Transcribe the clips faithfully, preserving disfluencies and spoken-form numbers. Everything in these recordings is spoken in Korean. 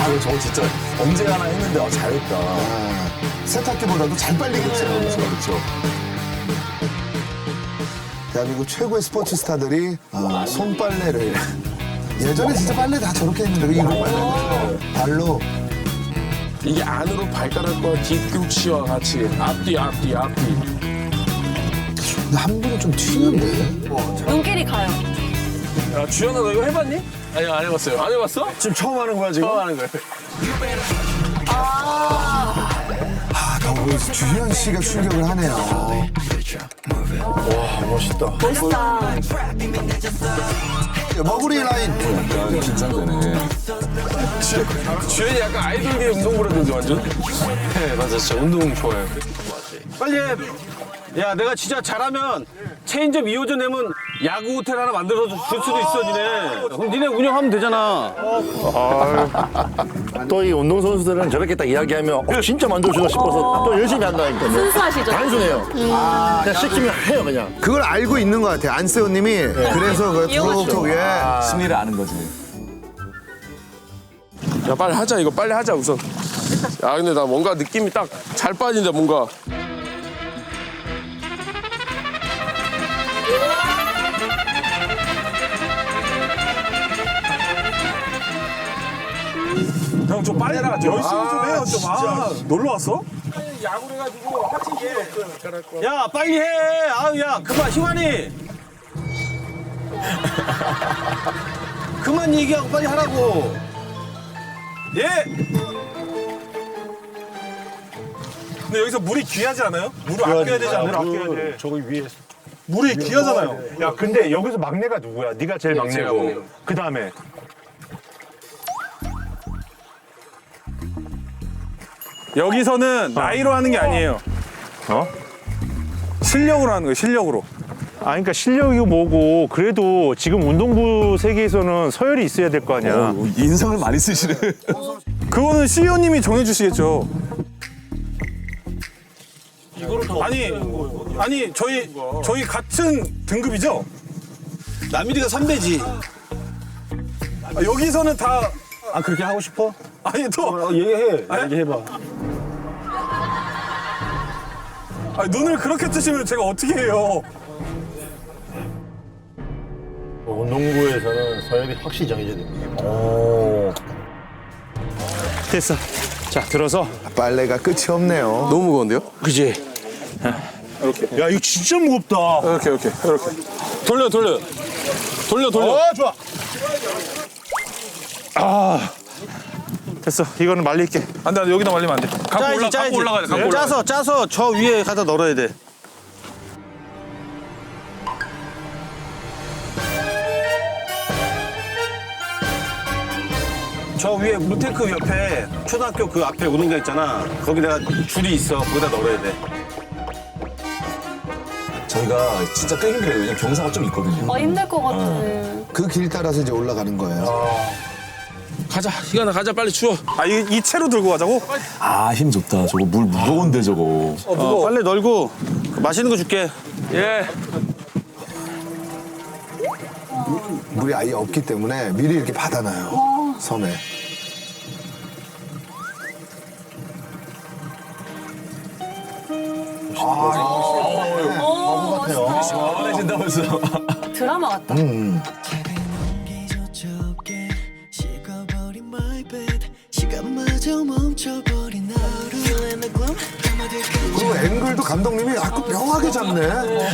아, 저거 진짜 언제 하나 했는데 아, 잘했다. 아, 세탁기보다도 잘 빨리겠죠. 그렇죠, 그렇죠. 대한민국 최고의 스포츠 스타들이 아, 손빨래를 예전에 진짜 빨래 다 저렇게 했는데 이거 빨래 발로 이게 안으로 발가락과 뒤꿈치와 같이 앞뒤 앞뒤 앞뒤. 근데 한 분은 좀 튀는데. 눈길이 가요. 야 주연아 너 이거 해봤니? 아니 안 해봤어요. 안 해봤어? 지금 처음 하는 거야, 지금? 처음 하는 거예요. 아, 너무 주현 씨가 충격을 하네요. 와, 멋있다. 멋있다. 머구리 라인. 약간 긴장되네. 주연이 약간 아이돌계 운동부라든지 완전. 네, 맞아. 진짜 운동 좋아해요. 빨리 해. 야, 내가 진짜 잘하면 체인점 이 호점 내면 야구 호텔 하나 만들어서 줄 수도 있어, 니네. 그럼 니네 운영하면 되잖아. 또 이 운동선수들은 저렇게 딱 이야기하면 어, 진짜 만들어주나 싶어서 또 열심히 한다니까요. 순수하시죠? 단순해요. 그냥 시키면 해요, 그냥. 그걸 알고 있는 것 같아요. 안세호님이. 그래서 그 톡톡에 심리를 아는 거지. 야 빨리 하자 이거 빨리 하자 우선. 야 근데 나 뭔가 느낌이 딱 잘 빠진다 뭔가. 형 좀 빨리 나 열심히 좀 해요 좀. 아, 놀러 왔어? 야구를 해가지고 하체 없어요. 야, 빨리 해. 아우, 야, 그만, 희환이. 그만 얘기하고 빨리 하라고. 예. 근데 여기서 물이 귀하지 않아요? 물을 아껴야 되지 않아요? 아껴야 돼. 저기 위에. 물이 귀하잖아요. 야, 근데 여기서 막내가 누구야? 네가 제일 막내고. 그 다음에. 여기서는 나이로 하는 게 아니에요. 어? 실력으로 하는 거예요, 실력으로. 아, 그러니까 실력이 뭐고, 그래도 지금 운동부 세계에서는 서열이 있어야 될 거 아니야. 어, 인상을 많이 쓰시네. 그거는 씨이오님이 정해주시겠죠. 아니, 아니 저희 저희 같은 등급이죠? 남일이가 선배지. 아, 여기서는 다 아, 그렇게 하고 싶어? 아니 또 어, 얘기해. 아, 얘기해봐. 아, 눈을 그렇게 뜨시면 제가 어떻게 해요? 운동부에서는 서열이 확실히 정해져야 됩니다. 됐어. 자, 들어서. 빨래가 끝이 없네요. 너무 무거운데요? 그지? 야, 이거 진짜 무겁다. 이렇게 이렇게 이렇게. 돌려 돌려. 돌려 돌려. 어, 좋아. 아. 됐어. 이거는 말릴게. 안 돼, 안 돼, 여기다 말리면 안 돼. 갖고 짜야지, 올라, 짜야지. 갖고 올라가야 돼, 갖고 올라가야 돼. 짜서, 짜서 저 위에 갖다 널어야 돼. 저 위에 무테크 옆에 초등학교 그 앞에 운동장 있잖아. 거기 내가 줄이 있어. 거기다 널어야 돼. 저희가 진짜 꽤 힘들어요. 왜냐면 경사가 좀 있거든요. 어, 힘들 것 같은. 그 길 따라서 이제 올라가는 거예요. 가자 희관아 가자 빨리 추워. 아, 이, 이 채로 들고 가자고? 아, 힘 좋다. 저거 물 무거운데, 저거. 어, 빨리 널고 맛있는 거 줄게. 예. 물이 아예 없기 때문에 미리 이렇게 받아놔요. 섬에. 어, 시원해진다, 벌써. 드라마 같다. 그리고 앵글도 감독님이 아주 묘하게 잡네.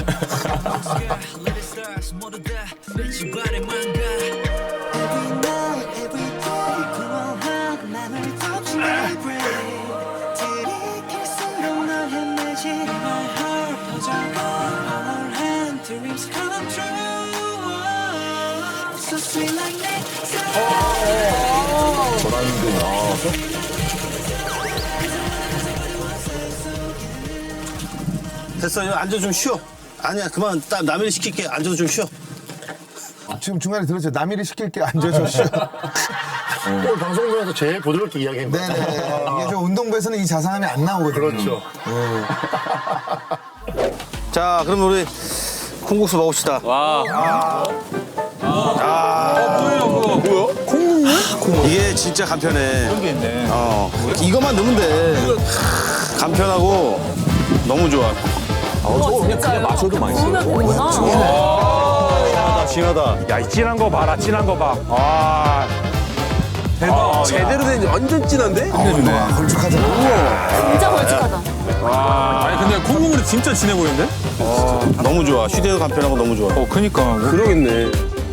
전환근, 아. 됐어, 이거 앉아 좀 쉬어. 아니야, 그만. 딱 남일이 시킬게. 앉아서 좀 쉬어. 지금 중간에 들었죠. 남일이 시킬게 앉아서 쉬어. 오늘 방송국에서 제일 부드럽게 이야기한 거. 네네. 이게 좀 운동부에서는 이 자상함이 안 나오거든요. 그렇죠. 자, 그럼 우리 콩국수 먹읍시다. 와. 아. 아. 뭐예요 그거? 뭐야? 콩국물? 이게 진짜 간편해. 그런 게 있네. 어, 이것만 넣으면 돼. 간편하고 너무 좋아. 어, 저거 그냥 그냥 맞춰도 맛있어. 넣으면 되는구나. 진하다, 진하다. 야, 이 진한 거 봐라, 진한 거 봐. 아, 대박. 제대로 된 완전 진한데? 와, 걸쭉하잖아. 진짜 걸쭉하다. 아니 근데 콩국물이 진짜 진해 보이는데? 너무 좋아. 휴대도 간편하고 너무 좋아. 어 그니까. 그러겠네.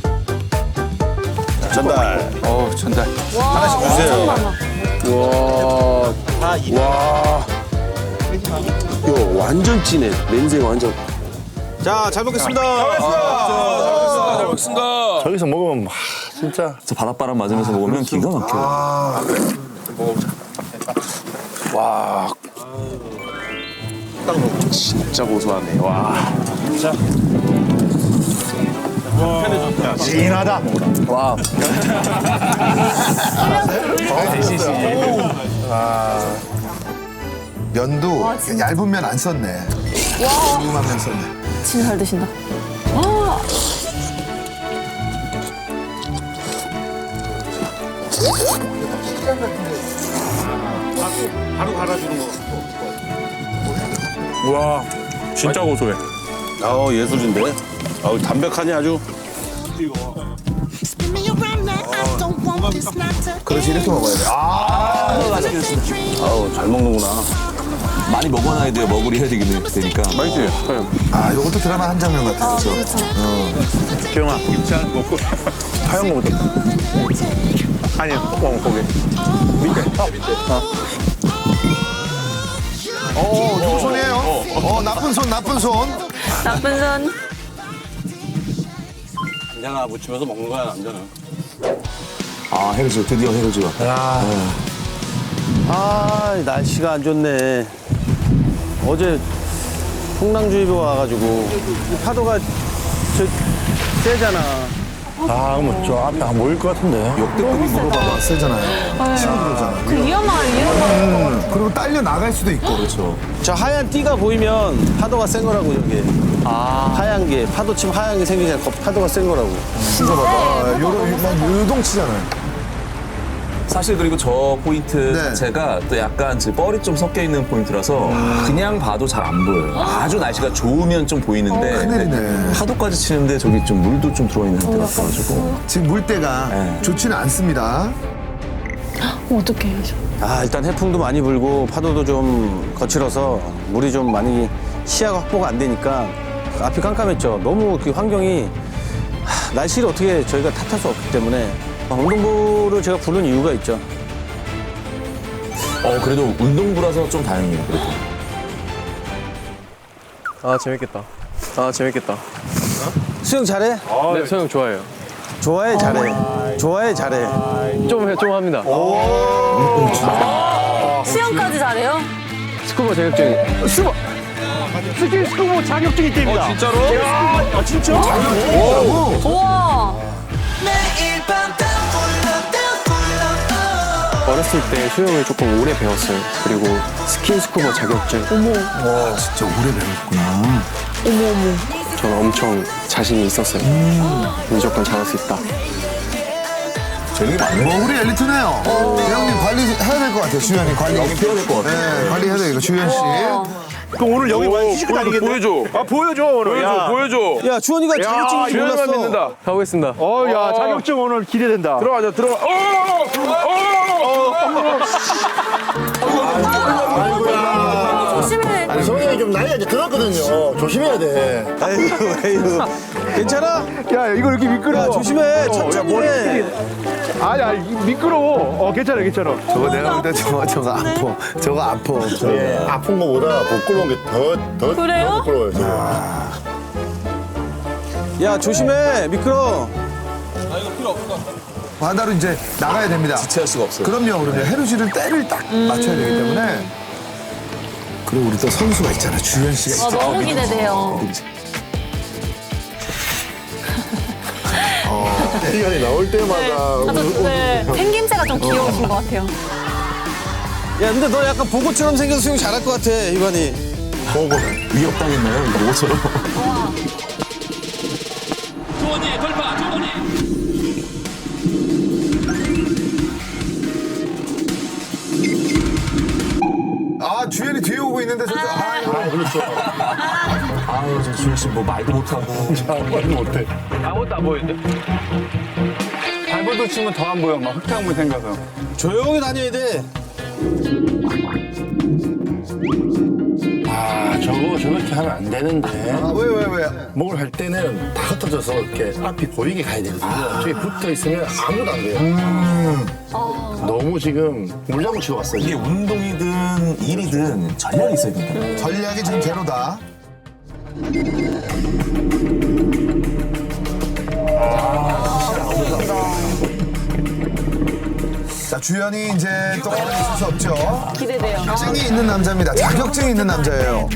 전달. 어 전달. 와, 하나씩 주세요. 엄청 많아. 와. 와. 이거 완전 진해. 냄새 완전. 자, 잘 먹겠습니다. 잘 먹겠습니다. 저기서 먹으면 와, 진짜 저 바닷바람 맞으면서 먹으면 기가 막혀. 와. 진짜 고소하네. 와. 진하다. 와. 면도 와, 진짜. 얇은 면 안 썼네. 와, 두툼한 면 썼네. 진짜 잘 드신다. 와, 바로 갈아주는 거. 와, 진짜 고소해. 아우, 예술인데. 아우, 담백하니 아주. Spin me around now. I don't want this not to 그렇지, 이렇게 먹어야 돼. 아, 아우, 잘 먹는구나. 많이 먹어놔야 돼요. 먹으리 해야 되긴 되니까. 맛있지? 아, 이것도 드라마 한 장면 같아. 그렇죠. 기영아, 김치한 먹고. 하얀 거부터. 아니, 어, 거기. 밑에. 어. 어, 누구 손이에요? 어, 나쁜 손, 나쁜 손. 나쁜 손. 간장아 묻히면서 먹는 거야, 남자는. 아, 해루즈. 드디어 해루즈가. 아, 날씨가 안 좋네. 어제 풍랑주의보 와가지고 이 파도가 저 세잖아. 아, 그럼 저 앞에 안 보일 것 같은데. 역대급이 물어봐봐. 세잖아요. 십오 킬로그램잖아. 그 위험한, 위험한. 음, 그리고 딸려 나갈 수도 있고. 그렇죠. 저 하얀 띠가 보이면 파도가 센 거라고, 여기. 아. 하얀 게, 파도 치면 하얀 게 생기니까 거- 파도가 센 거라고. 이거 봐봐. 요런, 막 요동치잖아요. 사실 그리고 저 포인트 네. 자체가 또 약간 그 뻘이 좀 섞여 있는 포인트라서 그냥 봐도 잘 안 보여요. 아주 날씨가 좋으면 좀 보이는데 큰일이네. 파도까지 치는데 저기 좀 물도 좀 들어와 있는 상태 같아가지고 지금 물때가 네. 좋지는 않습니다. 어떡해. 아, 일단 해풍도 많이 불고 파도도 좀 거칠어서 물이 좀 많이 시야가 확보가 안 되니까 앞이 깜깜했죠. 너무 그 환경이 하, 날씨를 어떻게 저희가 탓할 수 없기 때문에 운동부를 제가 부른 이유가 있죠. 어 그래도 운동부라서 좀 다행이에요. 그래도. 아 재밌겠다. 아 재밌겠다. 수영 잘해? 네 소영 좋아해요. 좋아해 잘해. 좋아해 잘해. 좀 해, 좀 합니다. 수영까지 잘해요? 스쿠버 자격증. 스쿠버! 스키 스쿠버 자격증 있답니다. 어, 진짜로? 아, 진짜? 우와. 어렸을 때 수영을 조금 오래 배웠어요. 그리고 스킨 스쿠버 자격증. 와, 진짜 오래 배웠구나. 저는 엄청 자신이 있었어요. 무조건 잘할 수 있다. 재능이 많네. 뭐, 우리 엘리트네요. 대형님 관리해야 될 것 같아요, 주현이 관리. 여기 피워야 될 것 같아. 네, 관리해야 돼, 이거 주현 씨. 그럼 오늘 여기 많이 시식 다니겠네. 보여줘. 아, 보여줘, 오늘. 보여줘, 야. 보여줘. 야 주원이가 자격증을 주현이만 몰랐어. 믿는다. 가보겠습니다. 어, 야, 자격증 오늘 기대된다. 들어가자, 들어가. 어! 어, 조심해. 아니, 성형이 좀 나이가 이제 들었거든요. 조심해야 돼. 아이고 아이고. 괜찮아? 야, 이거 이렇게 미끄러워. 야 조심해. 천천히 해. 아니, 아니, 미끄러워. 어, 괜찮아, 괜찮아. 저거 내가 볼 때 저거, 저거 아파. 저거 아파. 예, 아픈 거보다 부끄러운 게 더, 더, 그래요? 더 부끄러워요, 지금. 야 조심해. 미끄러. 바다로 이제 나가야 됩니다. 지체할 수가 없어요. 그럼요, 그럼요. 해루지를 때를 딱 맞춰야 되기 때문에. 그리고 우리 또 선수가 있잖아, 주현 씨가. 아, 너무 기대돼요. 시간이 나올 때마다. 나도 네, 생김새가 좀 귀여우신 것 같아요. 야 근데 너 약간 보고처럼 생겨서 수영 잘할 것 같아 이관이. 위협당했나요? 이거처럼. 있어. 아유, 저 주현 씨 뭐 말도 못하고. 아무 말도 못해. 아무것도 안 보이는데? 발버둥 치면 더 안 보여. 막 흙탕물 생겨서. 조용히 다녀야 돼. 아, 저거 저렇게 하면 안 되는데. 아, 왜, 왜, 왜? 뭘 할 때는 다 흩어져서 이렇게 앞이 보이게 가야 되거든요. 저기 붙어 있으면 아무도 안 돼요. 너무 지금 물장구 치고 왔어요. 이게 운동이든 일이든 전략이 있어야 된다. 전략이 지금 제로다. 자, 주연이 이제 또 있을 수 없죠. 기대돼요. 자격증이 있는 남자입니다. 자격증이 있는 남자예요.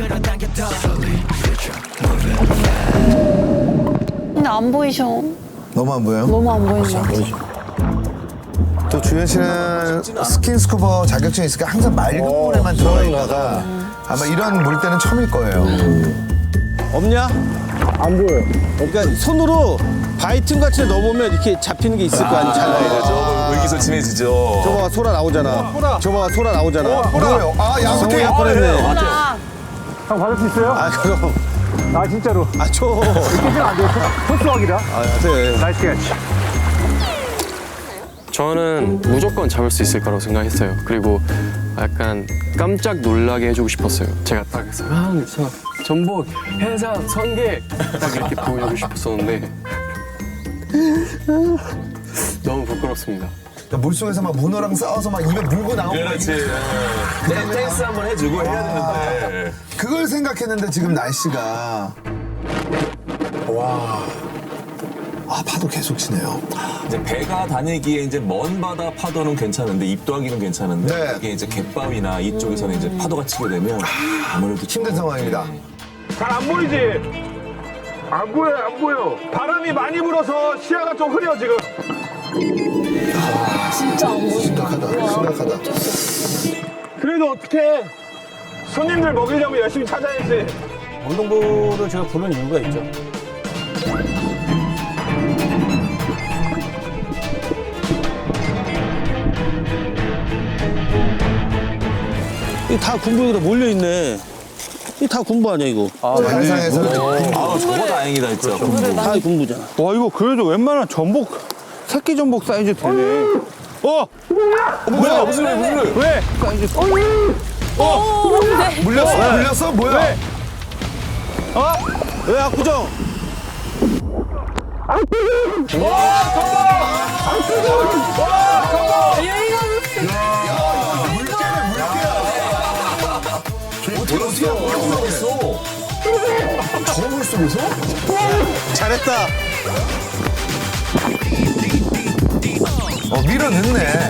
근데 안 보이셔. 너무 안 보여요? 너무 안 보이는데. 또 주현 씨는 스킨스쿠버 자격증이 있으니까 항상 맑은 물에만 들어가 있다가 아마 이런 물때는 처음일 거예요. 없냐? 안 보여. 그러니까 손으로 바이튼 같이 넣어보면 이렇게 잡히는 게 있을 거 아니야. 잘 나와가지고. 저 의기소침해지죠. 저거가 소라 나오잖아. 저거가 소라 나오잖아. 뭐예요? 아, 성우야 양호태. 뻔했네. 형 받을 수 있어요? 아 그럼. 아 진짜로. 아 줘. 이렇게 안 돼요. 토스하기라. 아 돼. 나이스 캐치. 저는 무조건 잡을 수 있을 거라고 생각했어요. 그리고 약간 깜짝 놀라게 해주고 싶었어요. 제가 딱 해서 형, 저 전복, 해삼, 성게 딱 이렇게 보여주고 싶었었는데 너무 부끄럽습니다. 물속에서 막 문어랑 싸워서 막 입에 물고 나오고 그렇지. 그냥 댄스 한번 해주고 해야 되는데. 그걸 생각했는데 지금 날씨가 와. 아, 파도 계속 치네요. 이제 배가 다니기에 이제 먼 바다 파도는 괜찮은데 입도하기는 괜찮은데 네. 이게 이제 갯바위나 이쪽에서는 이제 파도가 치게 되면 아무래도 힘든 상황입니다. 잘 안 보이지? 안 보여, 안 보여. 바람이 많이 불어서 시야가 좀 흐려, 지금. 진짜 안 보인다. 심각하다. 심각하다. 그래도 어떻게 손님들 먹이려면 열심히 찾아야지. 운동부를 제가 부른 이유가 있죠. 이 다 군부에다 몰려 있네. 이 다 군부 아니야 이거? 아, 영상에서는 아 저거 다행이다 진짜. 다 군부잖아. 와 이거 그래도 웬만한 전복 새끼 전복 사이즈 되네. 어? 뭐야 무슨 일 무슨 일? 왜? 사이즈. 오, 네. 물렸어? 물렸어? 뭐야? 왜? 어? 왜 압구정? 어떻게 어떻게 물속에서? 저 물속에서? 잘했다. 어, 밀어 넣네.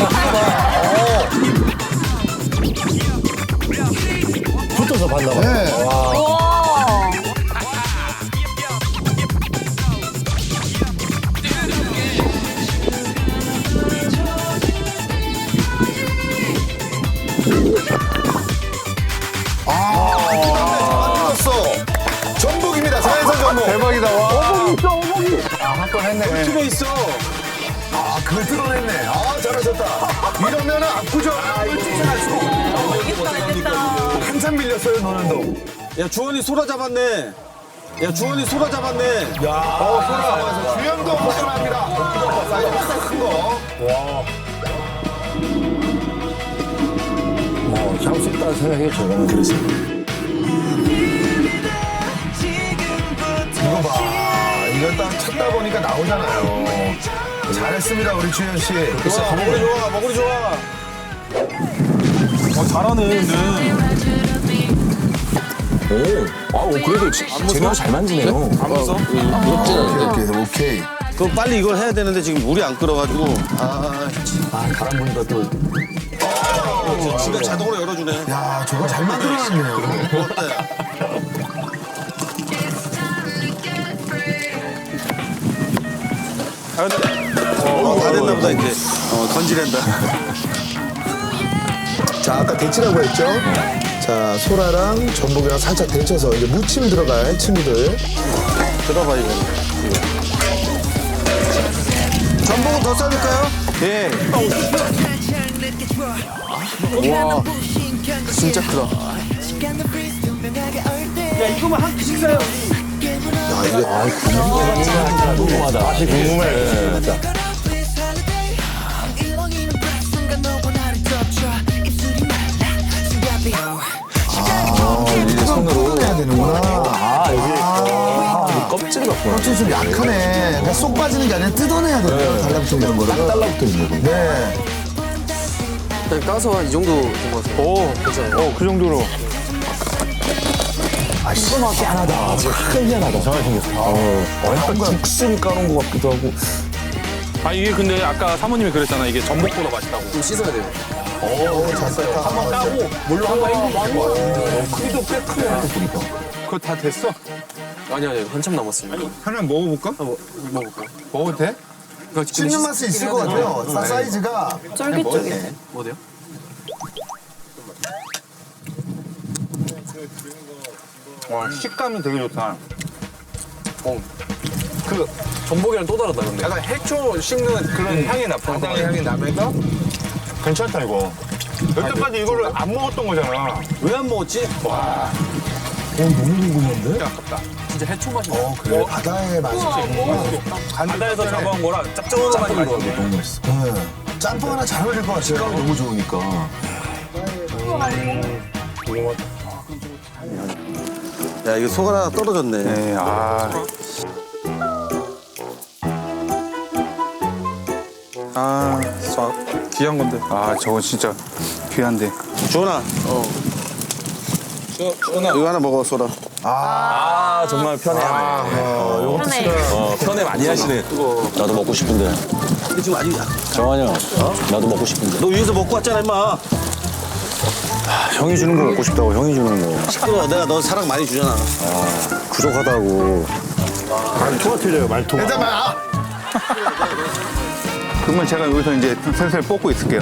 붙어서 봤나 봐. 네. 우와. 전복입니다. 자연산 전복. 대박이다 와. 한건 했네. 집에 있어. 아, 그걸 뜯어냈네. 아, 잘하셨다. 이러면은 압구정을 쫓아갈 수가 없어. 알겠다, 알겠다. 한참 밀렸어요, 너는 도. 야 주원이 소라 잡았네. 야 주원이 소라 잡았네. 어, 소라. 주연도 벗어납니다. 사이즈 큰 거. 뭐 잡을 수 있다는 생각이 저는 그래서. 이거 봐. 이걸 딱 찾다 보니까 나오잖아요. 잘했습니다, 우리 주현 씨. 좋아 먹으리 좋아 먹으리 좋아. 어, 잘하네, 근데. 오, 아 그래도 제대로 잘 만지네요. 안 무서? 오케이, 오케이, 오케이. 그럼 빨리 이걸 해야 되는데 지금 물이 안 끓어가지고. 아, 아 바람 부니까 또 어, 지가 자동으로 열어주네. 야, 저거 잘 만들어놨네요. 고맙다. 아, 근데, 어, 다 됐나 보다, 이제. 어, 던지랜다. 자, 아까 데치라고 했죠? 자, 소라랑 전복이랑 살짝 데쳐서 이제 무침 들어갈 친구들. 들어봐, 이거. 전복은 더 싸줄까요? 예. 와, 진짜 크다. 야 이거만 한 끼씩 사요. 맛이 궁금해. 진짜. 이제 손으로. 해야 되는구나. 아, 여기. 아, 껍질 같구나. 껍질이 좀 약하네. 그러니까 쏙 빠지는 게 아니라 뜯어내야 돼요. 달라붙어 있는 거를. 딱 달라붙어 있는 거군요. 네. 일단 까서 한 이 정도 된 것 같아요. 오, 어, 그 정도로. 아, 시원하게 희한하다. 지금 약간 희한하다. 정말 생겼어. 어, 어, 약간 죽순 까놓은 것 같기도 하고. 아, 이게 근데 아까 사모님이 그랬잖아. 이게 전복보다 맛있다고. 좀 씻어야 돼요. 오, 잘 쌌다. 한번 따고. 물로 한번 헹구고. 크기도 꽤 크네. 그거 다 됐어? 아니 아니 한참 남았습니다. 하나 먹어볼까? 아, 뭐, 먹을까요? 먹어도 돼? 이거 지금 씹는 씻- 맛이 있을 것 같아요. 사- 사이즈가. 쫄깃쫄깃. 뭐 돼요? 와, 식감이 되게 좋다. 어. 그 전복이랑 또 다르다 근데. 약간 해초 씹는 그런 향이 나, 바다의 향이 나면서 괜찮다, 이거. 여태까지 이거를 안 먹었던 거잖아. 왜 안 먹었지? 진짜 해초 맛이 나. 어, 그래. 바다의 맛이. 바다에서 잡아온 거랑 짭조름한 맛이 짬뽕 맛있네. 너무 맛있어. 네. 짬뽕 하나 잘 어울릴 것 같아요. 식감이 너무 좋으니까. 야 이거 속 하나 떨어졌네. 네, 아. 아, 저 귀한 건데. 아, 저거 진짜 귀한데. 주원아. 어. 주원아. 이거 하나 먹어 소라. 아, 정말 편해하네. 편해. 어, 편해 많이 하시네. 나도 먹고 싶은데. 근데 지금 아직 정환이 형, 나도 먹고 싶은데. 너 위에서 먹고 왔잖아 임마. 형이 주는 거 먹고 싶다고, 형이 주는 거. 시끄러워. 내가 너 사랑 많이 주잖아. 부족하다고. 말투가 틀려요, 말투가. 일단 아, 그러면 제가 여기서 이제 슬슬 뽑고 있을게요.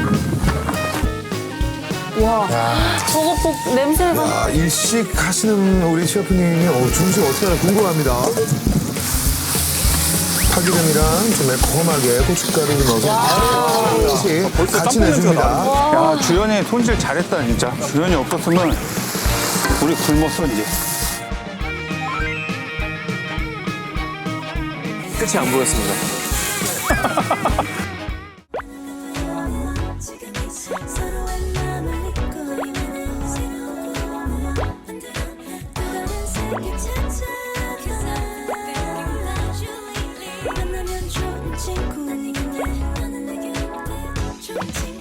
와. 저거 복 냄새가. 아, 일식 하시는 우리 셰프님이 어, 중식 어떻게 하나 궁금합니다. 파기름이랑 좀 매콤하게 고춧가루를 넣어서 같이, 같이 내줍니다. 야, 주연이 손질 잘했다, 진짜. 주연이 없었으면 우리 굶었어, 이제. 끝이 안 보였습니다. 서로의 마음을 잊고 있는 새로운 꿈을 만들어 또 다른 세계 찾아가 만나면 좋은 친구인데 너는 내게 어때 좋은 친구